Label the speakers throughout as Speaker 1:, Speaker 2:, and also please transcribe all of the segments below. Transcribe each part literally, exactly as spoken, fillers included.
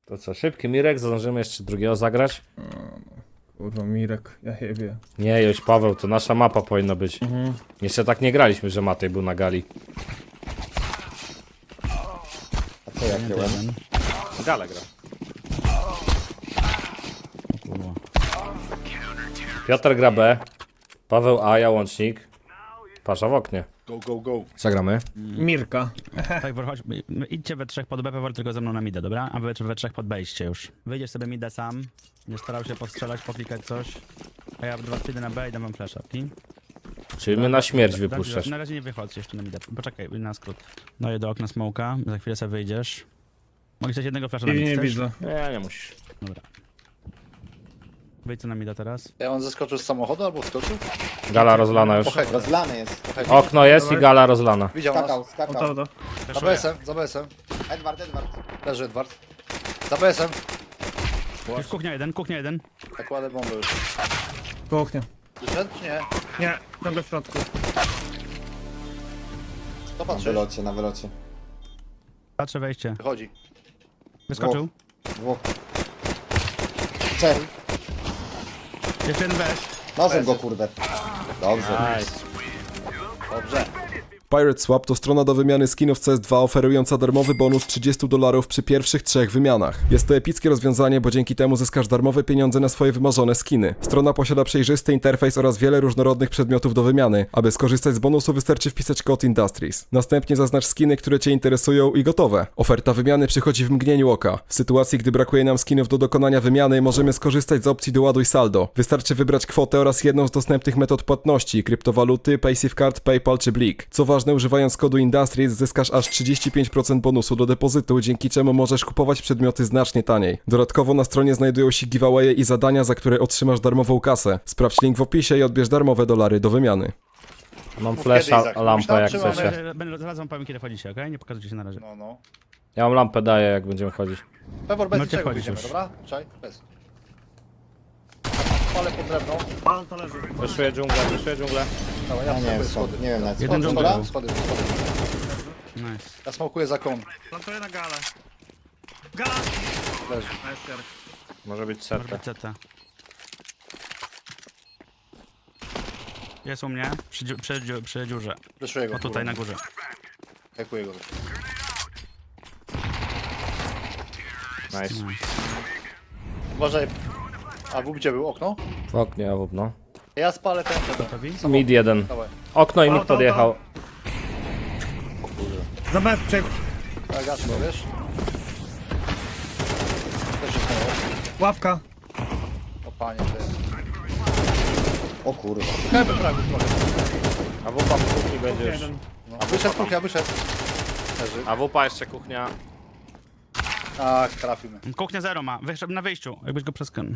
Speaker 1: To co, szybki Mirek, zdążymy jeszcze drugiego zagrać?
Speaker 2: Kurwa, Mirek, ja jebie.
Speaker 1: Nie, Joś Paweł, to nasza mapa powinna być.
Speaker 2: Mhm.
Speaker 1: Jeszcze tak nie graliśmy, że Matej był na gali.
Speaker 3: A co ja kiełem?
Speaker 1: Gala gra. Piotr gra B, Paweł A, ja łącznik. Pasza w oknie.
Speaker 4: Go, go, go.
Speaker 1: Zagramy.
Speaker 2: Mirka.
Speaker 5: Tak, chodź, idźcie we trzech pod B, Pewor tylko ze mną na mida, dobra? A wy we trzech pod B idźcie już. Wyjdziesz sobie mida sam, nie starał się postrzelać, poklikać coś. A ja dwa idę na B i dam wam flasha, okej?
Speaker 1: Czyli my na śmierć
Speaker 5: Dobra,
Speaker 1: wypuszczasz.
Speaker 5: Na razie nie wychodź jeszcze na mida, poczekaj, na skrót. Daję do okna smoka, za chwilę sobie wyjdziesz. Mogę chcieć jednego flasha na
Speaker 2: Nie,
Speaker 5: mid,
Speaker 2: nie
Speaker 5: chcesz?
Speaker 2: widzę.
Speaker 1: Nie, nie musisz.
Speaker 5: Dobra. Wyjdź co na mida teraz.
Speaker 4: Ja on zeskoczył z samochodu albo wskoczył?
Speaker 1: Gala rozlana już.
Speaker 4: Pochek.
Speaker 3: Rozlany jest.
Speaker 1: Okno jest i gala rozlana.
Speaker 4: Widział
Speaker 3: Skakał,
Speaker 4: nas.
Speaker 2: O
Speaker 3: skakał.
Speaker 2: to, to.
Speaker 4: Za B S-em, za B S-em.
Speaker 3: Edward, Edward.
Speaker 4: Leży Edward. Za B S-em.
Speaker 5: Już kuchnia jeden, kuchnia jeden.
Speaker 4: Tak kładę bombę już.
Speaker 2: Kuchnia.
Speaker 4: Wyszedł czy nie?
Speaker 2: Nie, ciągle w środku.
Speaker 4: To
Speaker 3: Na
Speaker 4: patrzysz?
Speaker 3: wylocie, na wylocie.
Speaker 5: Patrzę wejście.
Speaker 4: Wychodzi.
Speaker 5: Wyskoczył.
Speaker 3: Dwóch. Trzech.
Speaker 5: Jeszcze jeden bez.
Speaker 3: Nożem go, kurde. Dobrze.
Speaker 1: Nice.
Speaker 4: Dobrze.
Speaker 6: Pirate Swap to strona do wymiany skinów C S dwa oferująca darmowy bonus trzydzieści dolarów przy pierwszych trzech wymianach. Jest to epickie rozwiązanie, bo dzięki temu zyskasz darmowe pieniądze na swoje wymarzone skiny. Strona posiada przejrzysty interfejs oraz wiele różnorodnych przedmiotów do wymiany. Aby skorzystać z bonusu wystarczy wpisać kod Industries. Następnie zaznacz skiny, które Cię interesują i gotowe. Oferta wymiany przychodzi w mgnieniu oka. W sytuacji, gdy brakuje nam skinów do dokonania wymiany, możemy skorzystać z opcji doładuj saldo. Wystarczy wybrać kwotę oraz jedną z dostępnych metod płatności, kryptowaluty, PaySafeCard, PayPal czy Blik. Co ważne, używając kodu Industries zyskasz aż trzydzieści pięć procent bonusu do depozytu, dzięki czemu możesz kupować przedmioty znacznie taniej. Dodatkowo na stronie znajdują się giveawaye i zadania, za które otrzymasz darmową kasę. Sprawdź link w opisie i odbierz darmowe dolary do wymiany.
Speaker 1: Mam
Speaker 4: Mów
Speaker 1: flasha,
Speaker 4: kiedy, Izak.
Speaker 1: lampę jak
Speaker 4: Myślałem,
Speaker 1: chcecie.
Speaker 4: trzymamy.
Speaker 5: Będę- Zaraz wam powiem kiedy wchodzicie, okej? Nie pokazujcie się na razie.
Speaker 4: No, no.
Speaker 1: Ja mam lampę daję jak będziemy chodzić.
Speaker 4: Pewor bez
Speaker 5: No,
Speaker 4: niczego
Speaker 5: cię wchodzisz
Speaker 4: wyjdziemy,
Speaker 5: już.
Speaker 4: dobra? Czaj, bez. Palę pod drewno.
Speaker 2: Pan to leży.
Speaker 1: Wyszuję dżunglę, wyszuję dżunglę.
Speaker 4: Dawaj,
Speaker 3: Ja
Speaker 4: ja
Speaker 3: nie wiem
Speaker 4: smokuję
Speaker 3: skąd,
Speaker 4: schody.
Speaker 3: nie wiem nawet
Speaker 5: Jeden
Speaker 3: skąd.
Speaker 5: dżungla.
Speaker 3: Dobra?
Speaker 4: Schody, schody.
Speaker 5: Nice.
Speaker 4: Ja smokuję za kon.
Speaker 2: Plantuję na galę. Gala!
Speaker 4: Leży.
Speaker 2: Nice, Jarek.
Speaker 1: Może być
Speaker 5: Może
Speaker 1: setę.
Speaker 5: być C T. Jest u mnie, przy, dziu- przy, dziu- przy dziurze.
Speaker 4: Wyszuję go.
Speaker 5: O tutaj na górze.
Speaker 4: Hekuję go.
Speaker 1: Nice.
Speaker 4: Uważaj. A w gdzie był okno?
Speaker 1: W oknie, a w no.
Speaker 4: Ja spalę ten ten.
Speaker 5: Gotowi?
Speaker 1: Mid jeden.
Speaker 4: Dawaj.
Speaker 1: Okno i
Speaker 2: Auto,
Speaker 1: mógł podjechał.
Speaker 2: Za B przebiegł.
Speaker 4: Ja gaszę, wiesz? Też jest mało.
Speaker 2: Ławka.
Speaker 4: O panie, ty.
Speaker 3: O kurwa.
Speaker 4: Czekajmy prawie trochę.
Speaker 1: A wupa w kuchni będzie już.
Speaker 2: Jeden.
Speaker 4: No. A wyszedł kuchnia, wyszedł. Leży.
Speaker 1: A wupa jeszcze kuchnia.
Speaker 4: Ach, trafimy.
Speaker 5: Kuchnia zero ma, wyszedł na wyjściu, jakbyś go przeskan.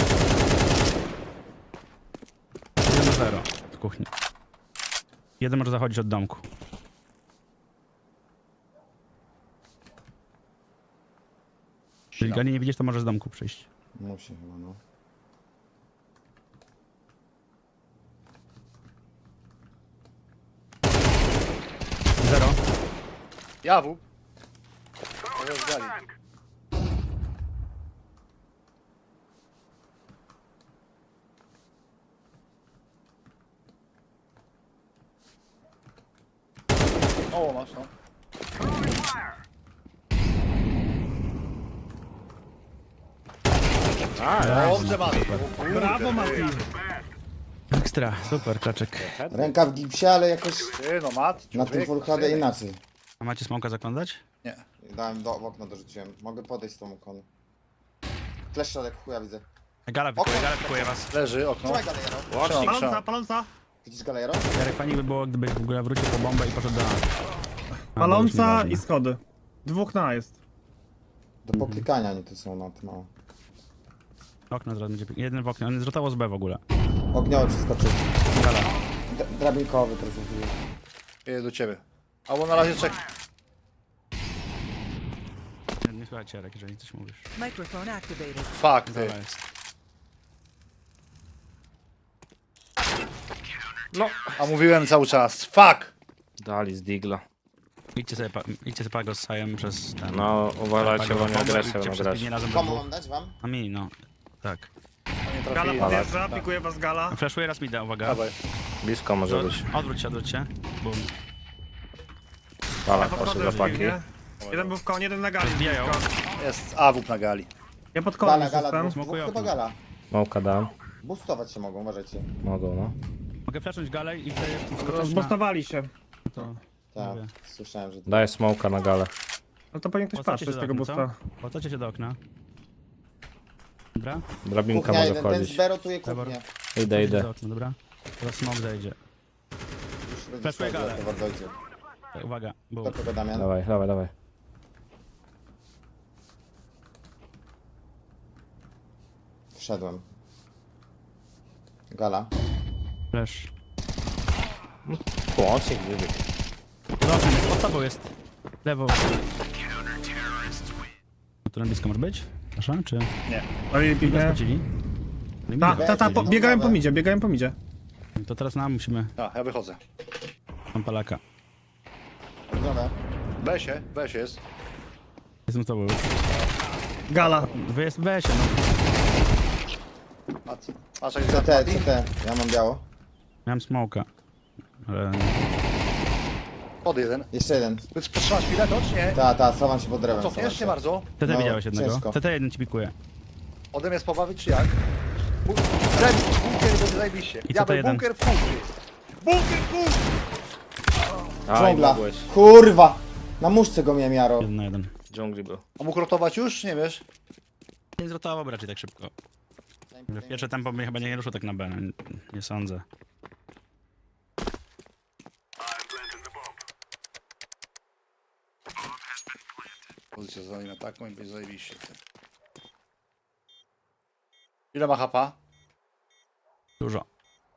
Speaker 5: Jeden na zero w kuchni. Jeden może zachodzić od domku. Jeżeli Gali nie widzisz, to może z domku przyjść.
Speaker 3: Musi chyba, no.
Speaker 5: Zero.
Speaker 4: Jawu. To jest gali. O, masz no. Dobrze, Mati.
Speaker 2: Brawo, Mati.
Speaker 5: Ekstra, super, klaczek.
Speaker 3: Ręka w gipsie, ale jakoś
Speaker 4: Ty, no Mat.
Speaker 3: na tym
Speaker 4: człowiek,
Speaker 3: full H D
Speaker 4: synek.
Speaker 3: inaczej.
Speaker 5: A macie smoka zakładać?
Speaker 4: Nie.
Speaker 3: Dałem do, w okno dorzuciłem. Mogę podejść z tą okonu. Flash środek, chuja widzę.
Speaker 5: Gala wykuje, gala wykuje was.
Speaker 4: Leży okno.
Speaker 3: Trzymaj galejero.
Speaker 4: Trzymam,
Speaker 2: Paląca,
Speaker 4: trzymam.
Speaker 2: paląca.
Speaker 3: Widzisz galejero?
Speaker 5: Jarek, fajnie by było, gdybyś w ogóle wrócił po bombę i poszedł do A. A, bo
Speaker 2: Paląca
Speaker 5: już
Speaker 2: i
Speaker 5: nieważne.
Speaker 2: schody. Dwóch na jest.
Speaker 3: Do poklikania oni tu są na tym mało.
Speaker 5: Okno zaraz będzie. Jeden w oknie, on zrotował z B w ogóle.
Speaker 3: Ogniowy przeskoczył.
Speaker 5: Gala.
Speaker 3: D drabinkowy teraz zrobił.
Speaker 4: Jedę do ciebie. Albo na razie czek.
Speaker 5: Nie, nie słuchajcie Jarek, jeżeli coś mówisz.
Speaker 7: Microphone activated.
Speaker 4: Fuck, ty.
Speaker 5: Gala jest.
Speaker 1: No.
Speaker 4: A mówiłem cały czas. Fuck!
Speaker 1: Dali z digla.
Speaker 5: Idźcie sobie, pa, idźcie sobie Pago z Sajem przez ten...
Speaker 1: No, uważajcie,
Speaker 5: Pago
Speaker 1: bo nie
Speaker 5: bombę,
Speaker 1: agresję
Speaker 5: idźcie
Speaker 1: będą
Speaker 5: przez
Speaker 1: grać.
Speaker 5: pilnie razem do
Speaker 3: Komu
Speaker 5: dwóch.
Speaker 3: mam dać wam?
Speaker 5: A mi, no. Tak.
Speaker 4: Nie
Speaker 2: Gala
Speaker 4: trafili.
Speaker 2: podjeżdża, pikuje was gala.
Speaker 5: Flashuję raz mida, uwaga.
Speaker 4: Dawaj.
Speaker 1: Blisko może
Speaker 5: To,
Speaker 1: być.
Speaker 5: odwróć się, odwróć się. Bum.
Speaker 1: Pala,
Speaker 2: Ja
Speaker 1: proszę
Speaker 2: podchodzę
Speaker 1: zapaki.
Speaker 2: dziwnie. Jeden był w konie, jeden na gali.
Speaker 5: Zbijają.
Speaker 2: blisko.
Speaker 4: Jest A W P na gali.
Speaker 2: Ja pod konem
Speaker 3: Gala,
Speaker 2: już
Speaker 3: gala,
Speaker 2: jestem.
Speaker 3: dwóch,
Speaker 5: Smokuję
Speaker 3: dwóch chyba
Speaker 5: okno.
Speaker 3: gala.
Speaker 1: Małka dam.
Speaker 3: Boostować się mogą, uważajcie.
Speaker 1: Mogą, no.
Speaker 5: Mogę flashnąć galę i wtedy wskoczyć na...
Speaker 2: Rozbostowali się.
Speaker 5: To...
Speaker 3: Tak,
Speaker 5: Mówię.
Speaker 3: słyszałem, że...
Speaker 1: Daję smoka na galę.
Speaker 2: No to pewnie ktoś
Speaker 5: Postacie
Speaker 2: patrzy
Speaker 5: się
Speaker 2: z
Speaker 5: do
Speaker 2: tego
Speaker 5: okna,
Speaker 2: boosta.
Speaker 5: co? Postacie się do okna. Dobra.
Speaker 1: Drabinka
Speaker 3: Kuchnia
Speaker 1: może
Speaker 3: jeden, ten z
Speaker 1: wchodzić.
Speaker 3: B rotuje
Speaker 5: Dobra.
Speaker 3: kuchnię.
Speaker 1: Idę,
Speaker 5: Postacie
Speaker 1: idę.
Speaker 5: do okna, dobra. Teraz smok zejdzie.
Speaker 3: Już będzie
Speaker 5: Flashuję
Speaker 3: schodził,
Speaker 5: galę.
Speaker 3: jak to dojdzie.
Speaker 5: Tak, uwaga. Bum.
Speaker 3: Do kogo Damian?
Speaker 1: Dawaj, dawaj, dawaj.
Speaker 3: Wszedłem. Gala.
Speaker 5: Flash.
Speaker 1: Łącznik wybiegł.
Speaker 5: Dobra, pod tobą jest. Lewo. A tu na blisko może być? Proszę, czy...
Speaker 2: No i
Speaker 5: Nie
Speaker 2: piknie.
Speaker 5: skrócili?
Speaker 2: Ta, ta, ta, po, biegają po midzie, biegają po midzie.
Speaker 5: To teraz nam musimy...
Speaker 4: A, ja wychodzę.
Speaker 5: Tam palaka.
Speaker 3: Dobra.
Speaker 4: B się, B się jest.
Speaker 5: Jestem z tobą.
Speaker 2: Gala.
Speaker 5: Wy jest weź, no.
Speaker 4: A, a czekaj,
Speaker 3: C T, C T. Ja mam biało.
Speaker 5: Miałem smoka. Ale...
Speaker 4: Pod jeden.
Speaker 3: Jeszcze jeden.
Speaker 4: Więc potrzymasz chwilę, to czy nie?
Speaker 3: Ta, ta, schowam się pod drewem. schowam
Speaker 4: Cofniesz
Speaker 3: się.
Speaker 4: nie bardzo.
Speaker 5: T T
Speaker 3: No,
Speaker 5: widziałeś jednego.
Speaker 3: ciężko.
Speaker 5: T T jeden ci pikuje.
Speaker 4: Ode mnie spobawić czy jak? Bu- Zajebiście, bunkier będzie zajebiście.
Speaker 5: co to
Speaker 4: Diabeł,
Speaker 5: jeden?
Speaker 4: bunkier w kuchni. Bunkier w kuchni!
Speaker 1: Aj,
Speaker 3: Dżungla.
Speaker 1: mogłeś.
Speaker 3: Kurwa! Na muszce go miałem Jaro.
Speaker 5: Jeden na jeden.
Speaker 1: W dżungli był.
Speaker 4: A mógł rotować już? Nie wiesz?
Speaker 5: Nie zrotował raczej tak szybko. W pierwsze tempo mnie chyba nie ruszył tak na B. Nie, nie sądzę.
Speaker 4: Pozycja zajmę taką i będzie zajebiście. Ile ma hapa?
Speaker 5: Dużo.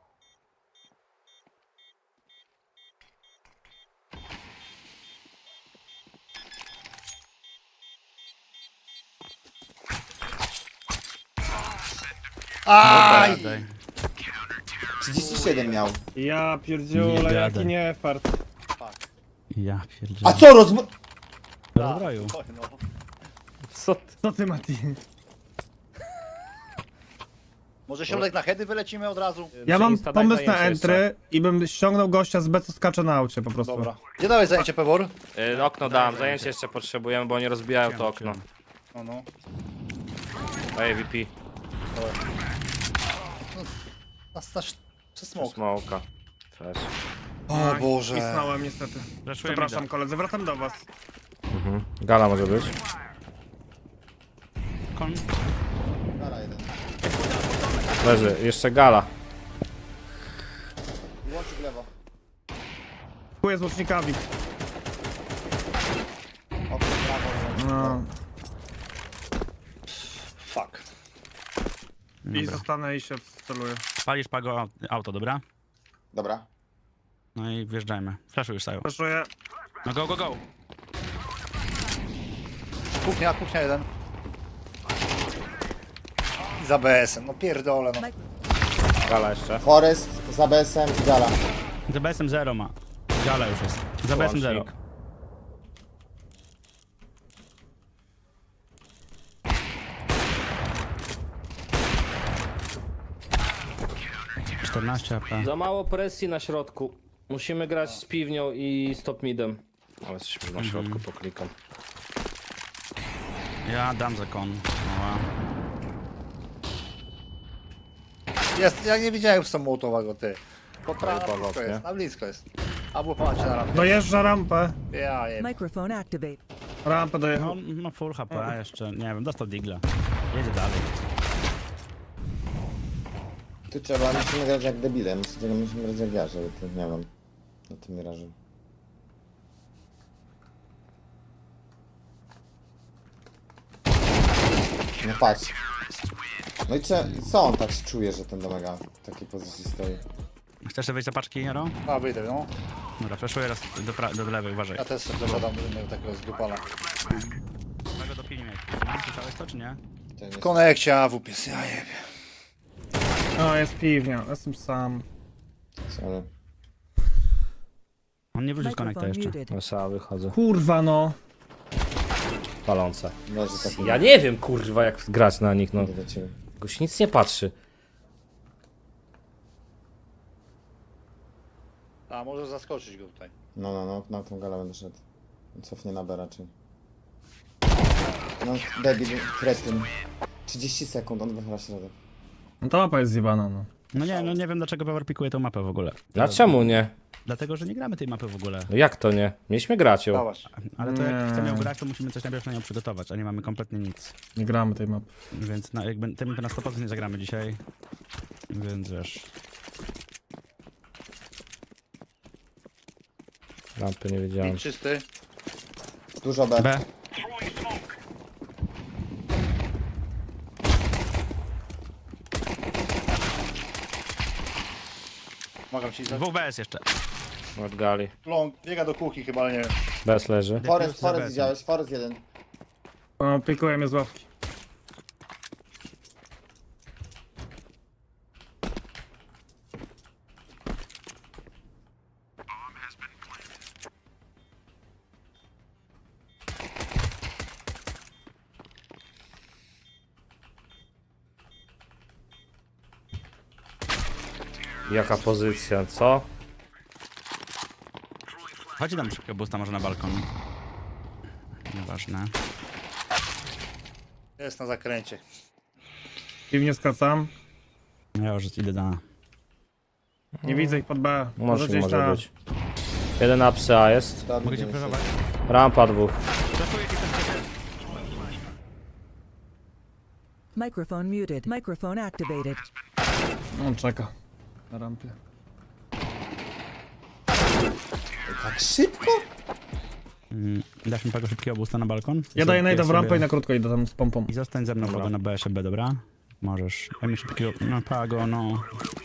Speaker 4: Aj!
Speaker 5: Daj.
Speaker 3: trzydzieści siedem miał.
Speaker 2: Ja
Speaker 5: Nie
Speaker 2: pierdziule,
Speaker 5: gadaj.
Speaker 2: jaki nie fart.
Speaker 5: Ja pierdzielę.
Speaker 3: A co rozm...
Speaker 5: Rozbroju.
Speaker 4: Oj, no.
Speaker 1: Co ty?
Speaker 2: Co ty, Mati?
Speaker 4: Może środek na heady wylecimy od razu?
Speaker 2: Ja mam
Speaker 1: Insta, daj
Speaker 2: pomysł na
Speaker 1: zajęcie jeszcze.
Speaker 2: entry i bym ściągnął gościa z B, co skacze na aucie po prostu.
Speaker 4: Dobra. Gdzie dałeś zajęcie, Pewor?
Speaker 1: Y, okno dam, zajęcie jeszcze potrzebujemy, bo oni rozbijają to okno.
Speaker 4: No, no.
Speaker 1: Daję V P.
Speaker 4: Na, na, przez smok.
Speaker 1: Smoka. Flash.
Speaker 4: O
Speaker 2: Aj,
Speaker 4: Boże.
Speaker 2: Pisnąłem niestety.
Speaker 5: Flashuję
Speaker 2: Przepraszam
Speaker 5: mida.
Speaker 2: koledzy, wracam do was.
Speaker 1: Mhm. Gala może być.
Speaker 5: Kon.
Speaker 3: Gala jeden.
Speaker 1: Leży, jeszcze gala.
Speaker 3: Łączy w lewo.
Speaker 2: Kuję z łucznikami.
Speaker 3: Okno w prawo.
Speaker 2: No.
Speaker 4: Fuck.
Speaker 2: I
Speaker 5: Dobra.
Speaker 2: zostanę i się wceluję.
Speaker 5: Palisz Pago au- auto, dobra?
Speaker 3: Dobra.
Speaker 5: No i wjeżdżajmy. Flashu już stają.
Speaker 2: Proszę,
Speaker 5: No go, go, go!
Speaker 4: Kuchnia, kuchnia jeden. I za B S em, no pierdolę no.
Speaker 1: Gala jeszcze.
Speaker 3: Forest za B S em i gala.
Speaker 5: Za B S em zero ma. Gala już jest. Za B S em zero.
Speaker 1: Łącznik.
Speaker 5: czternaście A P.
Speaker 1: Za mało presji na środku. Musimy grać z piwnią i stop midem. Ale jesteśmy na środku, poklikam.
Speaker 5: Ja dam za kon. Oła.
Speaker 4: Jest, ja nie widziałem z tą mołotowego, ty. Po prawo,
Speaker 1: Powolot,
Speaker 4: na blisko
Speaker 1: nie?
Speaker 4: jest, na blisko jest. Albo patrzcie na rampę.
Speaker 2: dojeżdża rampę.
Speaker 4: Ja jem.
Speaker 7: Microphone activate.
Speaker 2: Rampę
Speaker 5: No,
Speaker 2: dojechał.
Speaker 5: ma full H P jeszcze. Nie wiem, dostał digla. Jedzie dalej.
Speaker 3: Tu trzeba, musimy grać jak debile. Musimy, musimy grać jak ja, żeby to nie wiem. Na tym mirażu. No patrz. No i cze- co on tak się czuje, że ten domega w takiej pozycji stoi?
Speaker 5: Chcesz sobie wejść za paczki, Jaro?
Speaker 4: A wyjdę, no.
Speaker 5: Dobra, flashuję raz do, pra- do lewej, uważaj.
Speaker 4: Ja też sobie dodam innego takiego zdupala.
Speaker 5: Tego do pilnie. Słyszałeś to, czy nie?
Speaker 3: To nie
Speaker 4: W konekcie A W P jest, ja jebie.
Speaker 2: O, jest piwnia, jestem sam.
Speaker 3: sorry.
Speaker 5: On nie wrócił z konekta
Speaker 7: Microphone
Speaker 5: jeszcze.
Speaker 7: muted.
Speaker 1: No sama wychodzę.
Speaker 2: Kurwa no.
Speaker 1: Palące.
Speaker 3: Leży tak.
Speaker 1: Ja nie wiem, kurwa, jak grać na nich, no.
Speaker 3: Nie do ciebie.
Speaker 1: Goś nic nie patrzy.
Speaker 4: A, może zaskoczyć go tutaj.
Speaker 3: No, no, no, na tą galę będę szedł. Cofnie na B raczej. No, debil, kretyn. trzydzieści sekund, on wychyla środek.
Speaker 2: No ta mapa jest zjebana, no.
Speaker 5: No nie, no nie wiem dlaczego Pewor pikuje tą mapę w ogóle.
Speaker 1: A czemu nie?
Speaker 5: Dlatego, że nie gramy tej mapy w ogóle.
Speaker 1: No jak to nie? Mieliśmy grać ją.
Speaker 4: Dałaś.
Speaker 5: Ale to jak
Speaker 2: Nie.
Speaker 5: chcemy ją grać, to musimy coś najpierw na nią przygotować, a nie mamy kompletnie nic.
Speaker 2: Nie gramy tej mapy.
Speaker 5: Więc na, jakby tym to na sto procent nie zagramy dzisiaj. Więc wiesz.
Speaker 1: Lampy nie wiedziałem.
Speaker 4: Mid czysty.
Speaker 3: Dużo B.
Speaker 5: B.
Speaker 4: Mogę ci za...
Speaker 5: W B S jeszcze.
Speaker 1: Od gali.
Speaker 4: Long, biega do kuchni chyba, ale nie wiem.
Speaker 1: Bez leży.
Speaker 3: Forest,
Speaker 5: Defuse za
Speaker 3: Forest
Speaker 5: B.
Speaker 3: widziałeś? Forest jeden.
Speaker 2: O, pikuje mnie z ławki.
Speaker 1: Jaka pozycja, co?
Speaker 5: Chodź tam szybko boosta może na balkon. Nieważne.
Speaker 4: Jest na zakręcie.
Speaker 2: Piwnie skracam.
Speaker 5: Ja już idę na...
Speaker 2: Nie widzę ich pod B.
Speaker 1: Może,
Speaker 2: gdzieś
Speaker 1: może
Speaker 2: na-
Speaker 1: być. Jeden apsy A jest.
Speaker 3: Dobry,
Speaker 5: Mogę cię
Speaker 3: nie
Speaker 5: próbować?
Speaker 1: Rampa dwóch.
Speaker 7: Microphone muted. Microphone activated.
Speaker 2: On czeka. Na rampie.
Speaker 3: Tak szybko?
Speaker 5: Mm, dasz mi tego szybkiego boosta na balkon?
Speaker 2: Ja daję najda w
Speaker 1: sobie-
Speaker 2: rampę i na krótko idę tam z pompą.
Speaker 5: I zostań ze mną, Pago, na B S B, dobra? Możesz. Daj mi szybkiego... No Pago, no...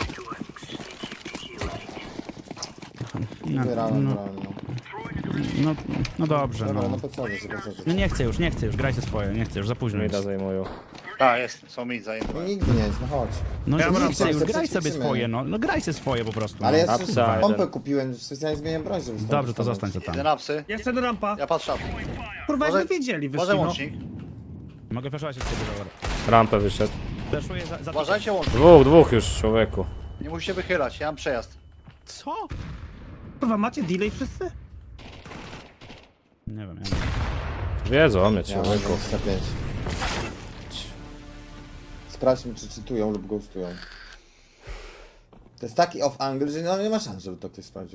Speaker 5: No,
Speaker 3: Wybierałem,
Speaker 5: no,
Speaker 3: wybierałem, no.
Speaker 5: no, no dobrze,
Speaker 3: Dobra,
Speaker 5: no.
Speaker 3: no podsadzę się, podsadzę.
Speaker 5: No nie chcę już, nie chcę już, grajcie swoje, nie chcę już, za późno
Speaker 1: Mida
Speaker 5: jest.
Speaker 1: zajmują.
Speaker 4: A, jest. Są mid zajęte.
Speaker 3: No nigdy nie jest, no chodź.
Speaker 5: No
Speaker 2: Ja
Speaker 5: nie
Speaker 2: mam
Speaker 5: chcę już,
Speaker 3: rację,
Speaker 5: graj sobie
Speaker 3: przećwiczymy.
Speaker 5: swoje, no, no graj sobie swoje po prostu.
Speaker 3: Ale
Speaker 5: no.
Speaker 3: ja
Speaker 1: Apsa
Speaker 3: sobie pompę
Speaker 1: jeden.
Speaker 3: kupiłem, specjalnie zmieniam broń, żeby stąd
Speaker 5: Dobrze, to
Speaker 3: dostawać.
Speaker 5: zostań co tam.
Speaker 4: Jeden apsy.
Speaker 2: Jeszcze do rampa.
Speaker 4: Ja patrzę.
Speaker 2: Kurwa,
Speaker 4: Może-
Speaker 2: jakby wiedzieli, wyszli,
Speaker 4: Może
Speaker 2: no.
Speaker 4: łącznik.
Speaker 5: Mogę flashować od ciebie, dobra.
Speaker 1: Rampę wyszedł.
Speaker 5: Flashuję za... za...
Speaker 4: Uważajcie łącznik.
Speaker 1: Dwóch, dwóch już, człowieku.
Speaker 4: Nie musicie wychylać, ja mam przejazd.
Speaker 5: Co?
Speaker 2: Kurwa, macie delay wszyscy?
Speaker 5: Nie wiem, ja
Speaker 1: Wiedzą o mnie,
Speaker 3: Ja mam
Speaker 1: człowieku.
Speaker 3: dwadzieścia pięć. Sprawdźmy, czy czytują lub ghostują. To jest taki off angle, że no nie ma szans, żeby to ktoś sprawdził.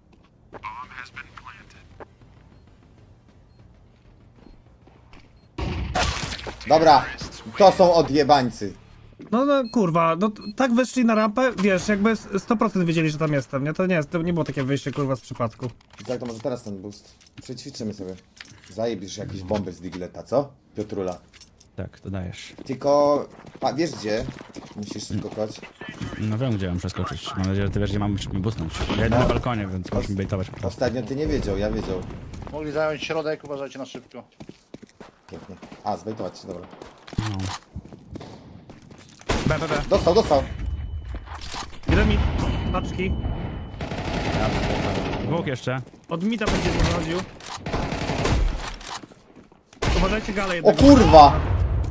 Speaker 3: Dobra, to są odjebańcy.
Speaker 2: No, no kurwa, no t- tak weszli na rampę, wiesz, jakby s- sto procent wiedzieli, że tam jestem, nie? To nie jest, to nie było takie wyjście kurwa z przypadku.
Speaker 3: I tak to może teraz ten boost. Przećwiczymy sobie. Zajebisz jakieś bomby z Digleta, co? Piotrula.
Speaker 5: Tak, to dajesz.
Speaker 3: Tylko, a wiesz gdzie? Musisz skakać.
Speaker 5: No wiem, gdzie mam przeskoczyć. Mam nadzieję, że ty wiesz, gdzie mam mi busnąć. Ja idę na balkonie, więc możesz mi bejtować po prostu.
Speaker 3: Ostatnio ty nie wiedział, ja wiedział.
Speaker 4: Mogli zająć środek, uważajcie na szybko.
Speaker 3: Pięknie. A, zbejtować się, dobra.
Speaker 5: No. B, B, B.
Speaker 3: Dostał, dostał.
Speaker 2: Jeden mi, paczki.
Speaker 5: Dwóch jeszcze.
Speaker 2: Od mida będzie wychodził. Uważajcie galę
Speaker 3: O
Speaker 2: jednego.
Speaker 3: kurwa!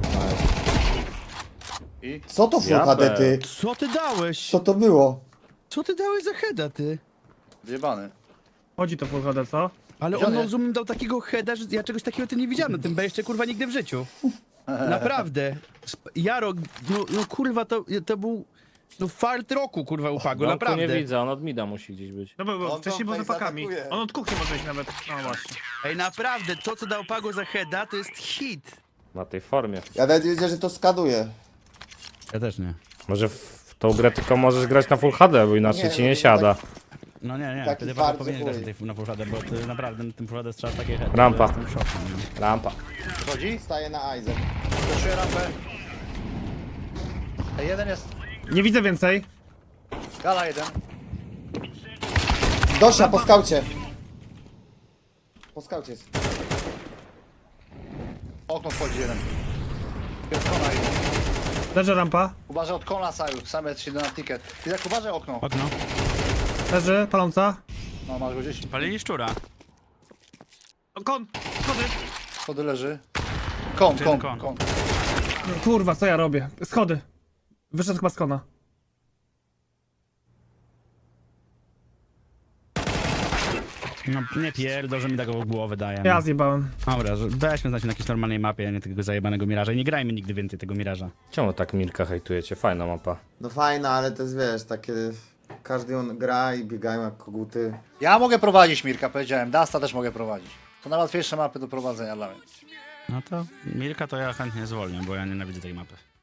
Speaker 4: I?
Speaker 3: Co to Full
Speaker 1: Ja
Speaker 3: H D,
Speaker 1: be.
Speaker 3: ty?
Speaker 5: Co ty dałeś?
Speaker 3: Co to było?
Speaker 5: Co ty dałeś za heada, ty?
Speaker 4: Wyjebany.
Speaker 2: Chodzi to Full H D, co?
Speaker 5: Ale
Speaker 4: Gdzie
Speaker 5: on
Speaker 4: on
Speaker 5: no,
Speaker 4: jest?
Speaker 5: zoom dał takiego heada, że ja czegoś takiego ty nie widziałem na tym B jeszcze kurwa nigdy w życiu. Naprawdę. Sp- Jaro, no, no kurwa to, to był no fart roku kurwa u Pago,
Speaker 1: Domku
Speaker 5: naprawdę.
Speaker 1: nie widzę, on od mida musi gdzieś być.
Speaker 2: No bo, bo
Speaker 3: On
Speaker 2: wcześniej
Speaker 3: tą
Speaker 2: był za
Speaker 3: face
Speaker 2: fakami.
Speaker 3: atakuje.
Speaker 2: On od kuchni może iść nawet. No właśnie.
Speaker 5: Ej naprawdę, to co dał Pago za heada to jest hit.
Speaker 1: Na tej formie.
Speaker 3: Ja nawet wiedziałem, że to skaduje.
Speaker 5: Ja też nie.
Speaker 1: Może w tą grę tylko możesz grać na Full H D, bo inaczej
Speaker 3: Nie,
Speaker 1: ci
Speaker 3: no
Speaker 1: nie
Speaker 3: to
Speaker 1: siada.
Speaker 5: No nie, nie,
Speaker 3: Taki
Speaker 5: wtedy
Speaker 3: fart,
Speaker 5: Pago powinien
Speaker 3: że
Speaker 5: grać
Speaker 3: chuj.
Speaker 5: na, tej, na Full H D, bo ty naprawdę na tym Full H D strzelasz takie heady.
Speaker 1: Rampa.
Speaker 5: że Jestem w szoku, no.
Speaker 1: Rampa.
Speaker 4: Wchodzi?
Speaker 3: Staje na Isaac.
Speaker 4: Przeszuję rampę. Ej, jeden jest.
Speaker 2: Nie widzę więcej.
Speaker 4: Gala jeden.
Speaker 3: Dosia, po skaucie. Po skaucie jest.
Speaker 4: Okno wchodzi jeden. Jest kona jeden.
Speaker 2: Leży rampa.
Speaker 4: Uważaj od kona saju, same trzy na ticket. I tak uważaj okno.
Speaker 5: Okno.
Speaker 2: Leży, paląca.
Speaker 4: No, masz go gdzieś?
Speaker 5: Palili szczura.
Speaker 2: O, kon! Schody!
Speaker 4: Schody leży. Kon,
Speaker 5: Czy
Speaker 4: kon,
Speaker 5: kon?
Speaker 4: kon.
Speaker 2: No, kurwa, co ja robię? Schody. Wyszedł chyba z kona.
Speaker 5: No nie pierdol, że mi tak w głowę daje.
Speaker 2: Ja zjebałem.
Speaker 5: Dobra, że weźmy znać na jakiejś normalnej mapie, a nie tego zajebanego miraża. I nie grajmy nigdy więcej tego miraża.
Speaker 1: Czemu tak Milka hejtujecie? Fajna mapa.
Speaker 3: No fajna, ale to jest, wiesz, takie... Każdy on gra i biegają jak koguty.
Speaker 4: Ja mogę prowadzić, Mirka, powiedziałem. Dasta też mogę prowadzić. To najłatwiejsze mapy do prowadzenia dla mnie.
Speaker 5: No to Milka to ja chętnie zwolnię, bo ja nienawidzę tej mapy.